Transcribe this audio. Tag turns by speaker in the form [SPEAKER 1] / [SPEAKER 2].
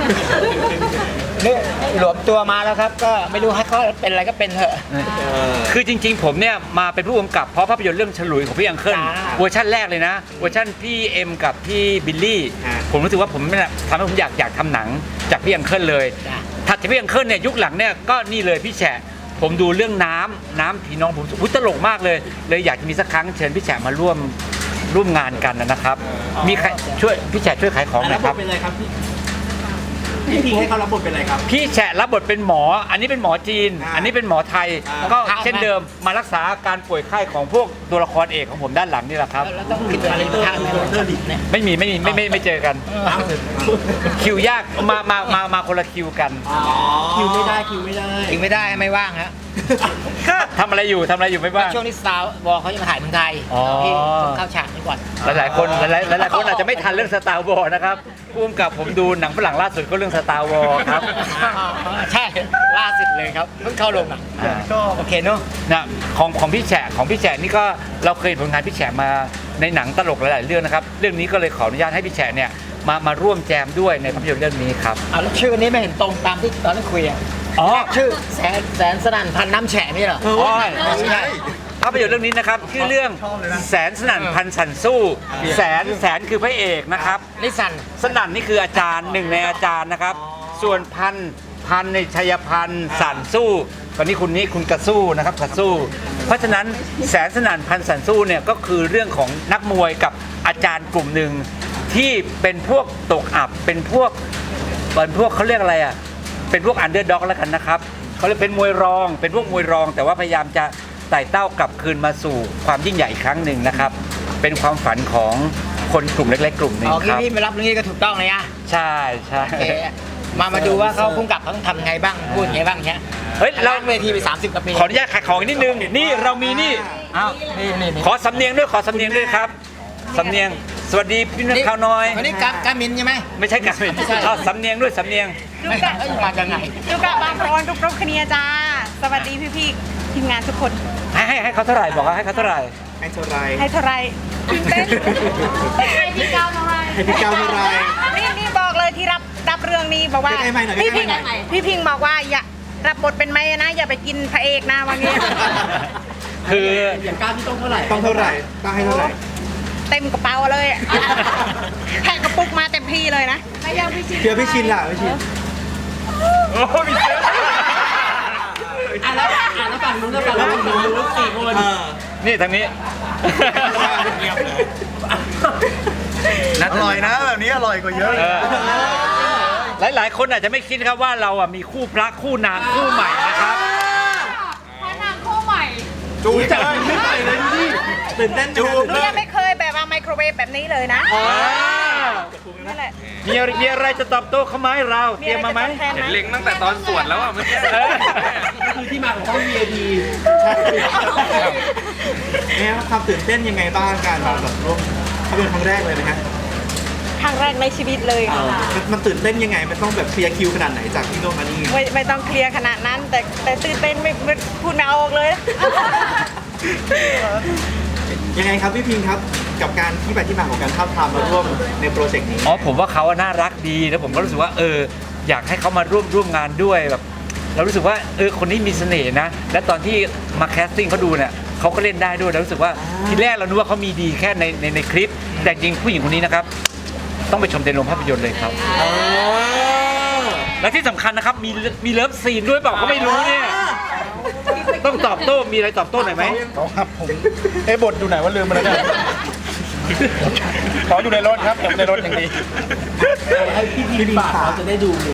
[SPEAKER 1] นี่หลวมตัวมาแล้วครับก็ไม่รู้ให้เขาเป็นอะไรก็เป็นเถอะ
[SPEAKER 2] คือจริงๆผมเนี่ยมาเป็นผู้กำกับเพราะภาพยนตร์เรื่องฉลุยของพี่อังเคิล
[SPEAKER 1] จ้า
[SPEAKER 2] เวอร์ชันแรกเลยนะเวอร์ชันพี่เอ็มกับพี่บิลลี่ผมรู้สึกว่าผมเนี่ยทำให้ผมอยากทำหนังจากพี่อังเคิลเลย
[SPEAKER 1] จ้ะ
[SPEAKER 2] ถัดจากพี่อังเคิลเนี่ยยุคหลังเนี่ยก็นี่เลยพี่แฉะผมดูเรื่องน้ำพี่น้องผมตลกมากเลยอยากจะมีสักครั้งเชิญพี่แฉะมาร่วมงานกันนะครับมีใครช่วยพี่แฉะช่วยขายของหน่
[SPEAKER 3] แล้
[SPEAKER 2] อ
[SPEAKER 3] วย บ
[SPEAKER 2] ครั
[SPEAKER 3] ท
[SPEAKER 2] บ
[SPEAKER 3] เป็นอะไรครับพี่พิงให้เขารับบทเป็นอะไรครับ
[SPEAKER 2] พี่แฉะรับบทเป็นหมอ อันนี้เป็นหมอจีน อันนี้เป็นหมอไทย ก็เช่นเดิมมารักษาอาการป่วยไข้ของพวกตัวละครเอกของผมด้านหลังนี่แหละครับ
[SPEAKER 1] แล้วต้องคิดอะไรทางเนี่ย
[SPEAKER 2] ไม่เจอกัน คิวยากมาคนละคิวกัน
[SPEAKER 3] คิวไม่ได้คิวไม่ได้
[SPEAKER 1] ถึงไม่ได้ไม่ว่างฮะ
[SPEAKER 2] ทำอะไรอยู่ไม่บ้าง
[SPEAKER 1] ช่วงนี้สตาร์วอลเขาจะมาถ่ายเมืองไทย
[SPEAKER 2] อ๋อ
[SPEAKER 1] พี่เข้าฉากนี้ก่อน
[SPEAKER 2] หลายๆคนอาจจะไม่ทันเรื่องสตาร์วอร์นะครับพุ่มกับผมดูหนังฝรั่งล่าสุดก็เรื่องสตาร์วอร์ครับ
[SPEAKER 1] ใช่ล่าสุดเลยครับเพิ่งเข้าลงอ่ะ
[SPEAKER 2] อ่า
[SPEAKER 1] ก็โอเคเนอะ
[SPEAKER 2] นะของพี่แฉะนี่ก็เราเคยเห็นผลงานพี่แฉะมาในหนังตลกหลายๆเรื่องนะครับเรื่องนี้ก็เลยขออนุญาตให้พี่แฉะเนี่ยมาร่วมแจมด้วยในภาพยนตร์เรื่องนี้ครับ
[SPEAKER 1] แล้วชื่อนี้ไม่เห็นตรงตามที่ตอนนั้นคุยอ่ะ
[SPEAKER 2] อ๋อ
[SPEAKER 1] ชื่อแสนสนั่นพันน้ำแฉะไม่เหรอ
[SPEAKER 2] อ๋อใช่ภาพยนตร์เรื่องนี้นะครับชื่อเรื่องแสนสนั่นพันสันสู้แสนคือพระเอกนะครับ
[SPEAKER 1] นิสัน
[SPEAKER 2] สนั่นนี่คืออาจารย์หนึ่งในอาจารย์นะครับ ส่วนพันในชัยพันธ์สันสู้ตอนนี้คุณกระสู้นะครับกระสู้ เพราะฉะนั้นแสนสนั่นพันสันสู้เนี่ยก็คือเรื่องของนักมวยกับอาจารย์กลุ่มหนึ่งที่เป็นพวกตกอับเป็นพวกเขาเรียกอะไรอ่ะเป็นพวกอันเดอร์ด็อกแล้วกันนะครับเขาเรียกเป็นมวยรองเป็นพวกมวยรอง แต่ว่าพยายามจะไต่เต้ากลับคืนมาสู่ความยิ่งใหญ่อีกครั้งหนึ่งนะครับ เป็นความฝันของคนกลุ่มเล็กๆกลุ่มหนึ่ง
[SPEAKER 1] โอเค
[SPEAKER 2] ครับ
[SPEAKER 1] พี่มารับเรื่องนี้ก็ถูกต้องเลยอ่ะ
[SPEAKER 2] ใช่
[SPEAKER 1] โอเคมาดูว่าเขาพุ่งกลับเขาต้องทำไงบ้างพูดไงบ้างเนี่ย
[SPEAKER 2] เฮ้ยเรา
[SPEAKER 1] เวทีไป30กว่าปี
[SPEAKER 2] ขออนุญาตขายของอีกนิดนึงนี่เรามีนี่อ้าว
[SPEAKER 1] นี่
[SPEAKER 2] ขอสำเนียงด้วยครับสำเนียงสวัสดีพี่นักข่าวน้อย
[SPEAKER 1] วันนี้กามินใช่ไหม
[SPEAKER 2] ไม่ใช่การเป็นเอาสำเนียงด้วยสำเนียง
[SPEAKER 1] ไม่ใช่มาจากไหน
[SPEAKER 4] ลูกกะบางพรทุกๆคเนียจ้า สวัสดีพี่ๆทีมงานทุกคน
[SPEAKER 2] ให้เขาเท่าไหร่บอกว่าให้เขาเท่าไหร่
[SPEAKER 3] ให้เท่าไร
[SPEAKER 4] ให้เท่าไรตื่นเต้นให้พี่ก้าวเท่าไร
[SPEAKER 3] ให้พี่ก้าวเท่าไร
[SPEAKER 4] นี่บอกเลยที่รับเรื่องนี้บอกว่า
[SPEAKER 3] ใกล้ๆหน่อย
[SPEAKER 4] พี่
[SPEAKER 3] ใกล้
[SPEAKER 4] พิง
[SPEAKER 3] ๆหน่อย
[SPEAKER 4] พี่พิงบอกว่าอย่ารับบทเป็นแม่นะ อย่าไปกินพระเอกนะว่างี้
[SPEAKER 2] คือ
[SPEAKER 3] อย่างก้าวที่ต้องเท่าไหร่ต้องเท่าไหร่ต้องให้เท่าไหร่
[SPEAKER 4] เต็มกระเป๋าเลยอะแพ็คกระปุกมาเต็มที่เลยนะไม่ยังพี่ชิน
[SPEAKER 3] เดี๋ยวพี่ชินล่ะพี่ชิน
[SPEAKER 2] โอ้มีเยอะ
[SPEAKER 3] แล้วฝั่งนู้นแล้วฝั่งนู้น4 คน
[SPEAKER 2] นี่ทางนี้
[SPEAKER 5] อร่อยนะแบบนี้อร่อยกว่าเยอะเลย
[SPEAKER 2] หลายๆคนอาจจะไม่คิดครับว่าเราอ่ะมีคู่พระคู่นางคู่ใหม่นะครับ
[SPEAKER 4] พระนางคู่ใหม่
[SPEAKER 5] จูบ
[SPEAKER 3] จับไม่ใหม่เลยดูดิตื่นเต้นจูบ
[SPEAKER 4] หนูยังไม่เคยแบบว่าไมโครเวฟแบบนี้เลยนะนั่นแหละ
[SPEAKER 2] มีอะไรจะตอบโต้เขาไหมเราเตรียมมาไหม
[SPEAKER 4] แทนไหม
[SPEAKER 6] เล็งตั้งแต่ตอนสวดแล้วอ่ะเมื่อกี้
[SPEAKER 3] คือที่มาของห้อง VIP เนี่ยความตื่นเต้นยังไงบ้างการแบบร่วมเขาเป็นครั้งแรกเลยนะฮะ
[SPEAKER 4] ครั้งแรกในชีวิตเลยค่ะ
[SPEAKER 3] มันตื่นเต้นยังไงมันต้องแบบเคลียร์คิวขนาดไหนจากที่โน่นมานี่
[SPEAKER 4] ไม่ต้องเคลียร์ขนาดนั้น แต่ตื่นเต้นไม่พูดไม่ออกเลยนะ
[SPEAKER 3] ยังไงครับพี่พิงครับกับการที่ไปที่มาของการท้าบทามมาร่วมในโปรเจกต์นี้
[SPEAKER 2] อ๋อผมว่าเขาน่ารักดีแล้วผมก็รู้สึกว่าอยากให้เขามาร่วมงานด้วยแบบเรารู้สึกว่าคนนี้มีเสน่ห์นะและตอนที่มาแคสติ้งเขาดูเนี่ยเขาก็เล่นได้ด้วยแล้วรู้สึกว่าทีแรกเรานึกว่าเขามีดีแค่ในคลิป แต่จริงผู้หญิงคนนี้นะครับต้องไปชมในโรงภาพยนตร์เลยครับและที่สำคัญนะครับมีเลิฟซีนด้วยเปล่าก็ไม่รู้เนี่ยต้องตอบโต้มีอะไรตอบโต้หน่อยไหม
[SPEAKER 5] ครับผมบทอยู่ไหนว่าลืมมาแล้วเนี่ยขออยู่ในรถครับผมในรถอย่างดี
[SPEAKER 3] ให้พี่พิงฝากเขาจะได้ดู